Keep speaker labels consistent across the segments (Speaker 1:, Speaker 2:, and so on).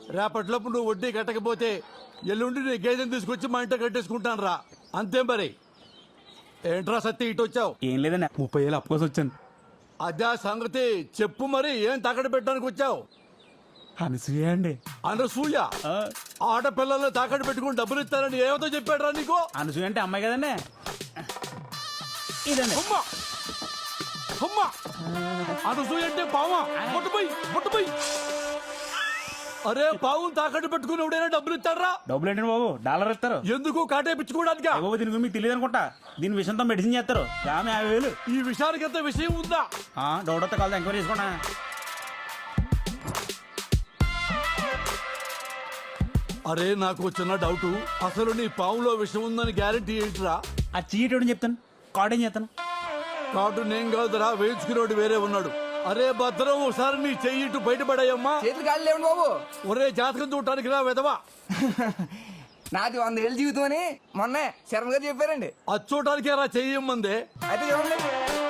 Speaker 1: రేపట్లోపు నువ్వు వడ్డీ కట్టకపోతే ఎల్లుండి నీ గేదెని తీసుకొచ్చి మా ఇంట్లో కట్టేసుకుంటాను రా. అంతే మరి. ఏంట్రా సత్తి ఇటు వచ్చావు?
Speaker 2: ఏం లేదన్నా 30,000 అప్పు కోసం వచ్చాను.
Speaker 1: అదే సంగతి చెప్పు మరి. ఏం తాకట్టు పెట్టడానికి వచ్చావు?
Speaker 2: అనసూయ అండి.
Speaker 1: అనసూయ? ఆడపిల్లల్ని తాకట్టు పెట్టుకుని డబ్బులు ఇస్తారని ఏమతో చెప్పాడురా నీకు?
Speaker 2: అనసూయ అంటే అమ్మాయి కదండి. ఇదండి.
Speaker 1: అమ్మా అమ్మా, అనసూయ అంటే పావా? ముట్టుపోయి. అరే పావును తాకట్టు పెట్టుకుని ఎవడైనా డబ్బులు ఇస్తారా?
Speaker 2: డబ్బులు ఏంటండి బాబు, డాలర్ ఇస్తారు.
Speaker 1: ఎందుకు? కాటేపించుకోవడానికి.
Speaker 2: బాబు దీని గురించి మీకు తెలియదు అనుకుంటా. దీని విషయంతో మెడిసిన్ చేస్తారు. ఆమె 50,000.
Speaker 1: ఈ విషయానికి ఎంత విషయం ఉందా?
Speaker 2: డౌట్ వస్తే కాదు, ఎంక్వైరీ చేసుకోండి.
Speaker 1: అరే నాకు చిన్న డౌట్. అసలు నీ పావులో విషయం ఉందని గ్యారెంటీ ఏంటిరా?
Speaker 2: ఆ చీటోడని చెప్తాను, కార్డేం చేస్తాను.
Speaker 1: కార్డు నేను కాదురా, వేయించుకునేవాడు వేరే ఉన్నాడు. అరే భద్రం, ఒకసారి నీ చెయ్యి ఇటు బయటపడాయమ్మా.
Speaker 3: చేతులు గాలి లేవండి బాబు.
Speaker 1: ఒరే జాతకం చూడటానికి రా వెదవా.
Speaker 3: నాది 100 ఏళ్ళ జీవితం అని మొన్న శర్మ గారు చెప్పారండి.
Speaker 1: అది చూడటానికి రా చెయ్యమ్మందే.
Speaker 3: అయితే చూడండి.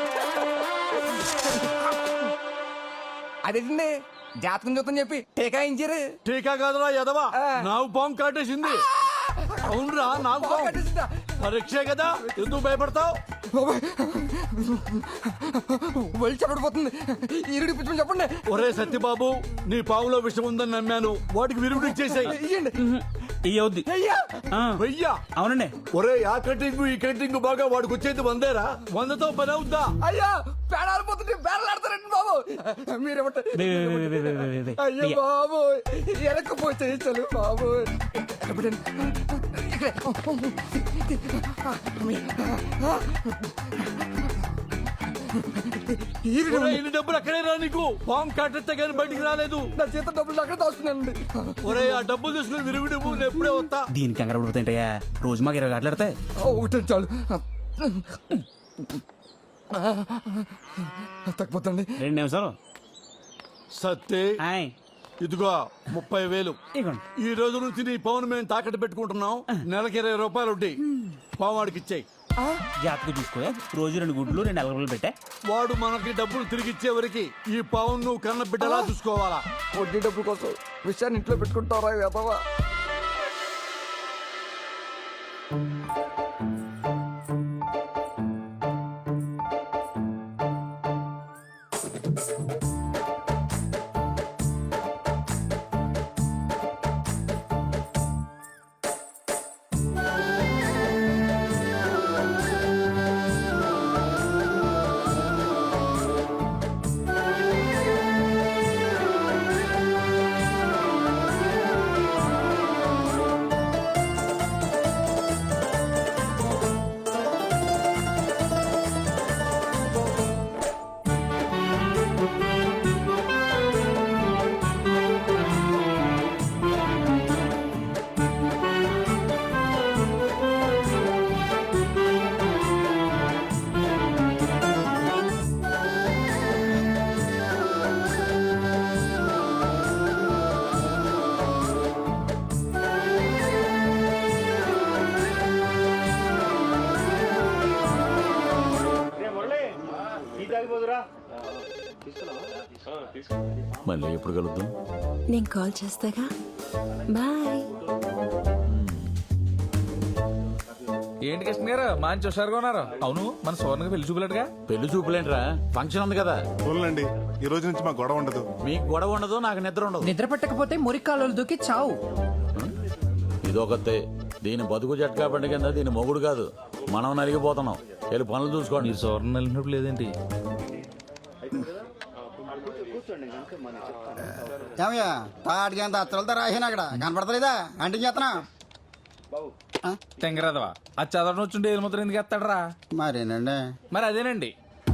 Speaker 3: అదేంటండి జాతకం చూద్దాం చెప్పి టీకా ఇచ్చారు.
Speaker 1: టీకా కాదురా ఎదవా, నాకు పాము కాటేసింది. అవునరా, నాకు పాము. పరీక్షే కదా, ఎందుకు భయపడతావు?
Speaker 3: వెళ్ళి చెప్పడిపోతుంది. ఈరుడి పిచ్చి చెప్పండి.
Speaker 1: ఒరే సత్యబాబు, నీ పావులో విషయం ఉందని నమ్మాను. వాటికి విరుగుడు ఇచ్చేసాయి.
Speaker 2: ఇయ్యవుద్ది.
Speaker 1: వెయ్యా?
Speaker 2: అవునండి.
Speaker 1: ఒరే ఆ కటింగ్ ఈ కటింగ్ బాగా వాడికి వచ్చేది 100రా. 100తో పని అవుద్దా?
Speaker 3: అయ్యా పేడాలు పోతుంటే పేడలాడతారండి బాబు. మీరేమంటారు? అయ్యో బాబు, ఎనకపోతే చలు బాబు.
Speaker 1: ఇన్ని డబ్బులు అక్కడే రా నీకు. పాము కాటెత్తే కానీ బయటికి రాలేదు.
Speaker 3: నా చేత డబ్బులు అక్కడ దాస్తున్నానండి.
Speaker 1: ఒరే ఆ డబ్బులు తీసుకుని విరుగుడు నేను ఎప్పుడే వస్తా.
Speaker 2: దీనికి కంగారు పడిపోతాయంటయ్యా, రోజు మాకు 20 గంటలు ఆడతాయి.
Speaker 3: ఒకటే చాలు. తగ్గిపోతండి.
Speaker 2: 2 నిమిషాలు.
Speaker 1: సత్తే ఇదిగో 30,000. ఈ రోజు నుంచి నీ పౌను మేము తాకట్టు పెట్టుకుంటున్నాం. నెలకి 20 రూపాయలు వడ్డీ. పావాడికి ఇచ్చాయి.
Speaker 2: జాతకు చూసుకో. రోజు 2 గుడ్లు 2 అలగలు పెట్టా.
Speaker 1: వాడు మనకి డబ్బులు తిరిగి ఇచ్చే వరకు ఈ పావును నువ్వు కన్న బిడ్డలా చూసుకోవాలా.
Speaker 3: వడ్డీ డబ్బుల కోసం విషయాన్ని ఇంట్లో పెట్టుకుంటారా వెదవా?
Speaker 1: మళ్ళీ ఎప్పుడు కలుద్దాం?
Speaker 4: నేను కాల్ చేస్తాగా. బాయ్.
Speaker 5: ఏంటి కృష్ణ గారు మంచి హుషారుగా ఉన్నారు. అవును, మన సోర్ణకి పెళ్లి చూపులేటుగా.
Speaker 1: పెళ్లి చూపులేంట్రా, ఫంక్షన్ ఉంది కదా.
Speaker 6: చూడండి, ఈ రోజు నుంచి మాకు గొడవ ఉండదు.
Speaker 1: మీకు గొడవ ఉండదు, నాకు నిద్ర ఉండదు.
Speaker 3: నిద్ర పట్టకపోతే మురికాలు దూకి చావు.
Speaker 1: ఇదొకతే. దీని బతుకు జట్కా బండి కింద దీని మొగుడు కాదు, మనం నలిగిపోతున్నాం. వెళ్ళి పనులు చూసుకోండి.
Speaker 5: మీరు సోర్ణ వెళ్ళినప్పుడు లేదేంటి?
Speaker 7: ఏమయ్యా తాటికి ఎంత అత్తలతో రాసాను అక్కడ కనపడతలేదా? అంటే చేస్తున్నా
Speaker 5: తెంగరదవా. అది చదవడం వచ్చుంటే ఏది మాత్రం ఎందుకు ఎత్తాడరా?
Speaker 7: మరేనండి.
Speaker 5: మరి అదేనండి.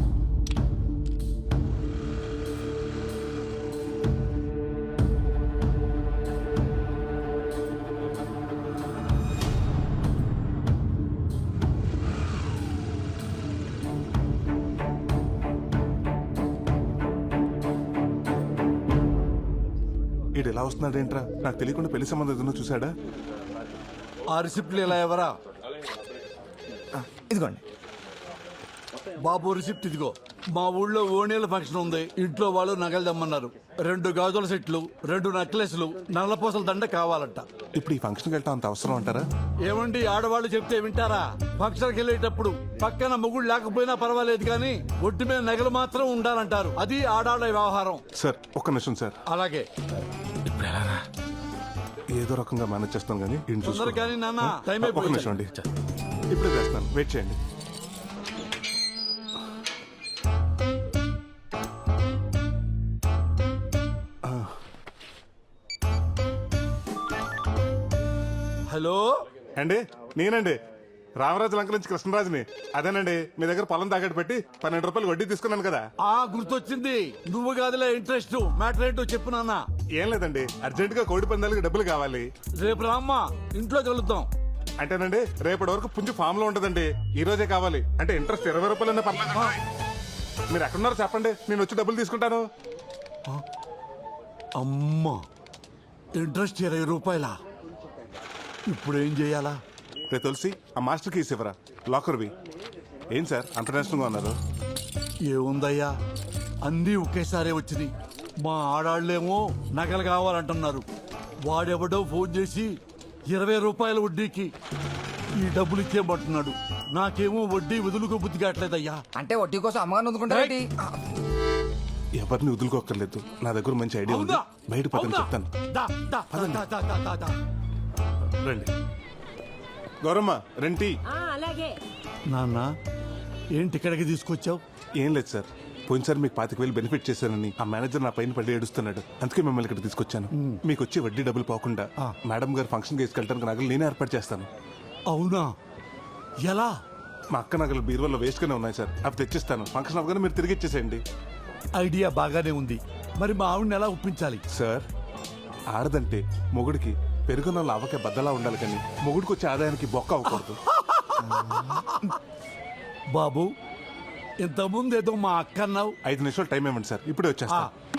Speaker 6: ఇటు ఎలా వస్తున్నాడు ఏంట్రా? నాకు తెలియకుండా పెళ్లి సంబంధం ఏదైనా చూసాడా?
Speaker 1: ఆ రిసిప్ట్లు ఇలా ఎవరా?
Speaker 3: ఇదిగోండి
Speaker 1: బాబు రిసిప్ట్ ఇదిగో. మా ఊళ్ళో ఓణీల ఫంక్షన్ ఉంది. ఇంట్లో వాళ్ళు నగలు తెమ్మన్నారు. 2 గాజుల సెట్లు, 2 నెక్లెస్లు, నల్లపూసల దండ కావాలంట.
Speaker 6: ఇప్పుడు ఈ ఫంక్షన్కి వెళ్ళటం అంత అవసరం అంటారా?
Speaker 1: ఏమండి, ఆడవాళ్ళు చెప్తే వింటారా? ఫంక్షన్కి వెళ్ళేటప్పుడు పక్కన మొగుడు లేకపోయినా పర్వాలేదు కానీ ఒడ్డు మీద నగలు మాత్రం ఉండాలంటారు. అది ఆడాళ్ళ వ్యవహారం.
Speaker 6: సార్ ఒక్క నిమిషం సార్,
Speaker 5: ఇప్పుడు ఎలారా?
Speaker 6: ఏదో రకంగా మేనేజ్ చేస్తాను కానీ ఇంటి
Speaker 1: తొందర
Speaker 6: చూసుకోండి.
Speaker 1: కానీ నాన్న, టైం
Speaker 6: ఒక్క
Speaker 1: అయిపోయింది.
Speaker 6: నిమిషం అండి, ఇప్పుడే చేస్తాను, వెయిట్ చేయండి.
Speaker 1: హలో,
Speaker 6: అండి నేనండి రామరాజు లంక నుంచి కృష్ణరాజుని. అదేనండి మీ దగ్గర పొలం తాకట్టు పెట్టి 12 రూపాయలు వడ్డీ తీసుకున్నాను కదా.
Speaker 1: గుర్తొచ్చింది. నువ్వు కాదులే ఇంట్రెస్ట్. మ్యాటర్ ఏంటో చెప్పు నాన్న.
Speaker 6: ఏం లేదండి, అర్జెంట్ గా కోడి పందాలకి డబ్బులు కావాలి.
Speaker 1: రేపు రామ్మా, ఇంట్లో కలుద్దాం.
Speaker 6: అంటేనండి రేపటి వరకు పుంజు ఫామ్ లో ఉంటదండి. ఈ రోజే కావాలి. అంటే ఇంట్రెస్ట్ 20 రూపాయలన్నా పర్లేదు. మీరు ఎక్కడున్నారో చెప్పండి, నేను వచ్చి డబ్బులు తీసుకుంటాను.
Speaker 1: అమ్మా, ఇంట్రెస్ట్ 20 రూపాయలా? ఇప్పుడు ఏం చేయాలా?
Speaker 6: రే తులసి, ఆ మాస్టర్ కీస్ ఇవ్వరా, లాకర్వి. ఏం సార్ అంత నేషనల్గా ఉన్నారు?
Speaker 1: ఏముందయ్యా, అన్నీ ఒకేసారి వచ్చినాయి. మా ఆడాళ్ళేమో నగలు కావాలంటున్నారు. వాడెవడో ఫోన్ చేసి 20 రూపాయల వడ్డీకి ఈ డబ్బులు ఇచ్చేయమంటున్నాడు. నాకేమో వడ్డీ వదులుకో బుద్ధి కావట్లేదయ్యా.
Speaker 3: అంటే వడ్డీ కోసం అమ్మగారిని వదులుకుంటారేంటి?
Speaker 6: ఎవరిని వదులుకోక్కర్లేదు, నా దగ్గర మంచి ఐడియా ఉంది.
Speaker 1: అవునా?
Speaker 6: బయట పదని
Speaker 1: అవునా?
Speaker 6: చెప్తాను.
Speaker 1: దా, దా, దా, దా, దా, దా, దా.
Speaker 6: రండి గౌరమ్మ, రెంటి.
Speaker 1: నాన్న, ఏంటి ఇక్కడికి తీసుకొచ్చావు?
Speaker 6: ఏం లేదు సార్, పోయినసారి మీకు 25,000 బెనిఫిట్ చేశానని ఆ మేనేజర్ నా పైన పడి ఏడుస్తున్నాడు. అందుకే మిమ్మల్ని ఇక్కడ తీసుకొచ్చాను. మీకు వచ్చి వడ్డీ డబ్బులు పోకుండా మేడం గారు ఫంక్షన్ తీసుకెళ్ళడానికి నగలు నేనే ఏర్పాటు చేస్తాను.
Speaker 1: అవునా? ఎలా?
Speaker 6: మా అక్క నగలు బీరువాలో వేస్ట్ గానే ఉన్నాయి సార్, అవి తెచ్చిస్తాను. ఫంక్షన్ అవగానే మీరు తిరిగి ఇచ్చేసేయండి.
Speaker 1: ఐడియా బాగానే ఉంది. మరి మా ఆవిడని ఎలా ఒప్పించాలి?
Speaker 6: సార్, ఆడదంటే మొగుడికి పెరుగున్న లావకే బద్దలా ఉండాలి కానీ మొగుడికి వచ్చే ఆదాయానికి బొక్క అవ్వకూడదు.
Speaker 1: బాబు, ఇంతకుముందు ఏదో మా అక్క అన్నావు.
Speaker 6: 5 నిమిషాలు టైం ఇవ్వండి సార్, ఇప్పుడే వచ్చేస్తా.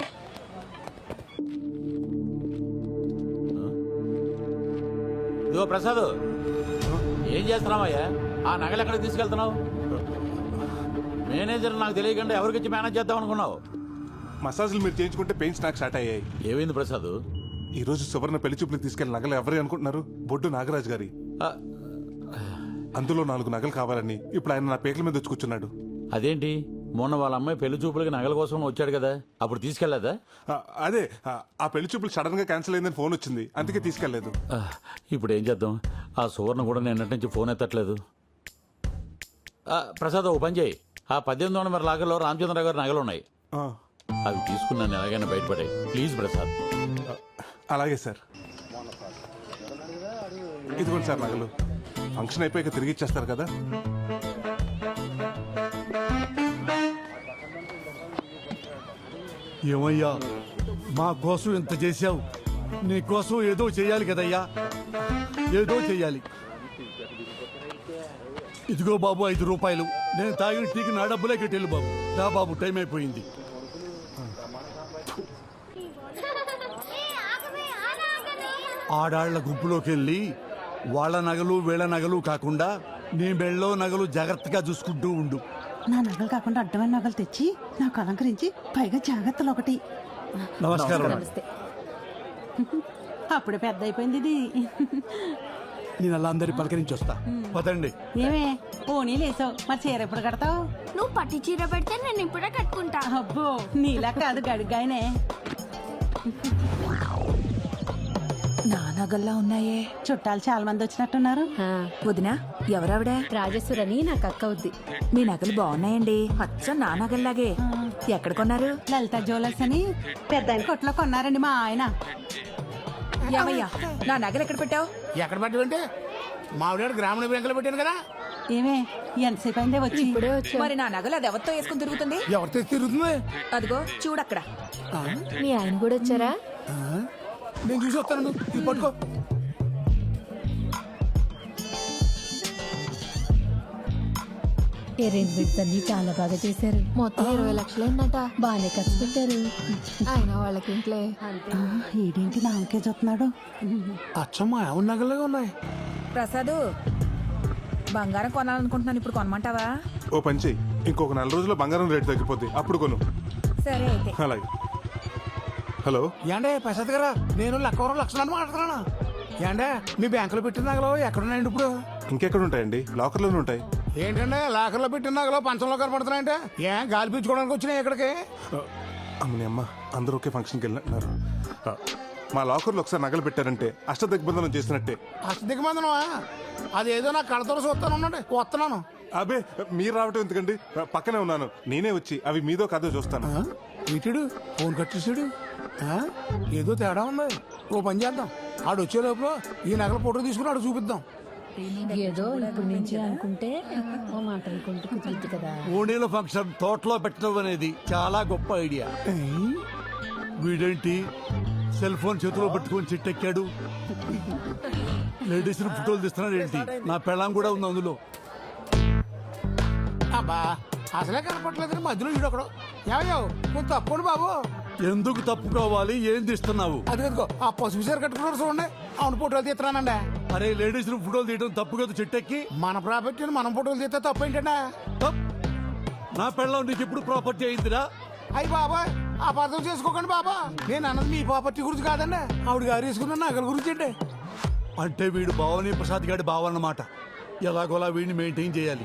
Speaker 8: ఇదిగో ప్రసాద్, ఏం చేస్తున్నావయ్యా? ఆ నగలు ఎక్కడికి తీసుకెళ్తున్నావు? మేనేజర్ నాకు తెలియకుండా ఎవరికిచ్చి మేనేజ్ చేద్దాం అనుకున్నావు?
Speaker 6: మసాజ్లు మీరు చేయించుకుంటే పెయిన్స్ నాకు స్టార్ట్ అయ్యాయి.
Speaker 8: ఏమైంది ప్రసాద్?
Speaker 6: ఈ రోజు సువర్ణ పెళ్లి చూపులు తీసుకెళ్లి నగలు ఎవరు అనుకుంటున్నారు? బొడ్డు నాగరాజు గారి. అందులో 4 నగలు కావాలని ఇప్పుడు ఆయన నా పేకల మీద వచ్చి కూర్చున్నాడు.
Speaker 8: అదేంటి, మొన్న వాళ్ళ అమ్మాయి పెళ్లి చూపులకి నగల కోసం వచ్చాడు కదా, అప్పుడు తీసుకెళ్లేదా?
Speaker 6: అదే ఆ పెళ్లి చూపులు సడన్ గా క్యాన్సిల్ అయిందని ఫోన్ వచ్చింది, అందుకే తీసుకెళ్లేదు.
Speaker 8: ఇప్పుడు ఏం చేద్దాం? ఆ సువర్ణ కూడా నిన్నటి నుంచి ఫోన్ ఎత్తట్లేదు. ప్రసాద్, ఓ పని చేయి. ఆ 1800 నెంబర్ లాగర్లో రామచంద్రరావు గారి నగలు ఉన్నాయి. అవి తీసుకున్నాను, ఎలాగైనా బయటపడే ప్లీజ్ ప్రసాద్.
Speaker 6: అలాగే సార్, ఇదిగోండి సార్ నగలు. ఫంక్షన్ అయిపోయాక తిరిగి ఇచ్చేస్తారు కదా.
Speaker 1: ఏమయ్యా, మా కోసం ఇంత చేశావు, నీ కోసం ఏదో చేయాలి కదయ్యా, ఏదో చెయ్యాలి. ఇదిగో బాబు 5 రూపాయలు. నేను తాగిన టీకి నా డబ్బులే కట్టేళ్ళు బాబు. రా బాబు, టైం అయిపోయింది. ఆడాళ్ల గుంపులోకి వెళ్ళి వాళ్ళ నగలు వీళ్ళ నగలు కాకుండా నీ మెళ్ళో నగలు జాగ్రత్తగా చూసుకుంటూ ఉండు.
Speaker 9: నా నగలు కాకుండా అడ్డమైన నగలు తెచ్చి నాకు అలంకరించి పైగా జాగ్రత్తలు ఒకటి.
Speaker 1: నమస్కారం.
Speaker 9: అప్పుడే పెద్ద అయిపోయింది ఇది.
Speaker 1: నేను అలా అందరి పలకరించి వస్తా. పదండి.
Speaker 9: ఏమే పోనీ లేసావు, మరి చీర ఎప్పుడు కడతావు?
Speaker 10: నువ్వు పట్టి చీర పెడితే నేను ఇప్పుడే కట్టుకుంటా.
Speaker 9: అబ్బో, నీలా కాదు గడుగ్గాయనే.
Speaker 10: నా నగల్లా ఉన్నాయే.
Speaker 9: చుట్టాలు చాలా మంది వచ్చినట్టున్నారు.
Speaker 10: వదినా, ఎవరావిడ? రాజేశ్వరని నాకు అక్క అవుద్ది. మీ నగలు బాగున్నాయండి, అచ్చం నా నగల్లాగే. ఎక్కడ కొన్నారు?
Speaker 9: లలిత జ్యువెలర్స్ అని పెద్ద కొట్లో కొన్నారండి మా ఆయన.
Speaker 10: ఏమయ్యా, నా నగలు ఎక్కడ పెట్టావు?
Speaker 11: ఎక్కడ పెట్టమంటే మావిడ గ్రామీణ బ్యాంకులో పెట్టాను కదా.
Speaker 9: ఏమే ఎంతసేపు అయిందే వచ్చి?
Speaker 10: ఇప్పుడే వచ్చి. మరి నా నగలు అది ఎవరితో వేసుకుని తిరుగుతుంది?
Speaker 11: ఎవరితో తిరుగుతుంది?
Speaker 10: అదిగో చూడక్కడ.
Speaker 4: మీ ఆయన కూడా వచ్చారా?
Speaker 11: నేను చూసి వస్తాను, ఇది పట్టుకో.
Speaker 4: అరేంజ్మెంట్స్ అన్ని చాలా బాగా చేశారు.
Speaker 10: మొత్తం 20 లక్షలైందట.
Speaker 4: బాగానే ఖర్చు పెట్టారు.
Speaker 10: ఆయన వాళ్ళకి ఇంట్లో.
Speaker 9: ఈడేంటి నాకే చూస్తున్నాడు?
Speaker 11: అచ్చమ్మా, ఎవరి నగలుగా ఉన్నాయి.
Speaker 10: ప్రసాదు, బంగారం కొనాలనుకుంటున్నాను, ఇప్పుడు కొనమంటావా?
Speaker 6: ఓ పని చెయ్యి, ఇంకొక 4 రోజుల్లో బంగారం రేటు తగ్గిపోద్ది, అప్పుడు కొను.
Speaker 10: సరే అయితే.
Speaker 6: అలాగే. హలో,
Speaker 11: ఏండే ప్రసాద్ గారా, నేను లక్కవరం లక్షణాన్ని మాట్లాడుతున్నాను. ఏండే మీ బ్యాంకులో పెట్టిన నగలు ఎక్కడున్నాయండి ఇప్పుడు?
Speaker 6: ఇంకెక్కడ ఉంటాయండి? లాకర్లోనే ఉంటాయి.
Speaker 11: ఏంటంటే లాకర్లో పెట్టిన నగలు పంచంలో కనపడుతున్నాయంటే గాలి పీల్చుకోవడానికి వచ్చినాయి ఇక్కడికి?
Speaker 6: అమ్మని అమ్మ, అందరూ ఒకే ఫంక్షన్కి వెళ్ళినట్టున్నారు. మా లాకర్లో ఒకసారి నగలు పెట్టారంటే అష్టదిగ్బంధనం చేసినట్టే.
Speaker 11: అష్టదిగ్బంధనమా? అదేదో నా కడతలు చూస్తాను, ఉండండి వస్తున్నాను.
Speaker 6: అబే, మీరు రావటం ఎందుకండి, పక్కనే ఉన్నాను. నేనే వచ్చి అవి మీదో కాదో చూస్తాను.
Speaker 11: ఇటుడు ఫోన్ కట్టేసాడు. ఏదో తేడా ఉంది. ఓ పని చేద్దాం, ఆడు వచ్చే లోపల ఈ నగల ఫోటో తీసుకుని ఆడు చూపిద్దాం.
Speaker 4: ఏదో ఇప్పుడు నుంచి అనుకుంటే ఓ మాట అనుకుంటూ కుదిరిద్ది కదా.
Speaker 1: ఓణీల ఫంక్షన్ తోటలో పెట్టడం అనేది చాలా గొప్ప ఐడియా. వీడేంటి సెల్ ఫోన్ చేతిలో పట్టుకొని చిట్టెక్కాడు? లేడీస్ ఫోటోలు తీస్తున్నాడు ఏంటి? నా పెళ్ళాం కూడా ఉంది అందులో.
Speaker 11: అబ్బా అసలే కనపట్లేదు, మధ్యలో ఈడొకడు. ఏమయ్యో నువ్వు తప్పండి బాబు.
Speaker 1: ఎందుకు తప్పుకోవాలి? ఏం తీస్తున్నావు?
Speaker 11: అది కదుకో ఆ పసుపు చీర కట్టుకున్నారు చూడండి, అవును ఫోటోలు తీస్తున్నానండి.
Speaker 1: అరే, లేడీస్ ఫోటోలు తీయడం తప్పు కదా చిట్టెక్కి.
Speaker 11: మన ప్రాపర్టీని మనం ఫోటోలు తీస్తే తప్పు ఏంటంటే?
Speaker 1: తప్. నా పెళ్ళాం నీకు ఎప్పుడు ప్రాపర్టీ అయిందిరా?
Speaker 11: అయ్యి బాబా అపార్థం చేసుకోకండి బాబా, నేను అన్నది మీ ప్రాపర్టీ గురించి కాదండి, ఆవిడ గారు వేసుకున్న నగల గురించి అండి.
Speaker 1: అంటే వీడు భావని ప్రసాద్ గారి భావ అన్నమాట. ఎలాగోలా వీడిని మెయింటైన్ చేయాలి.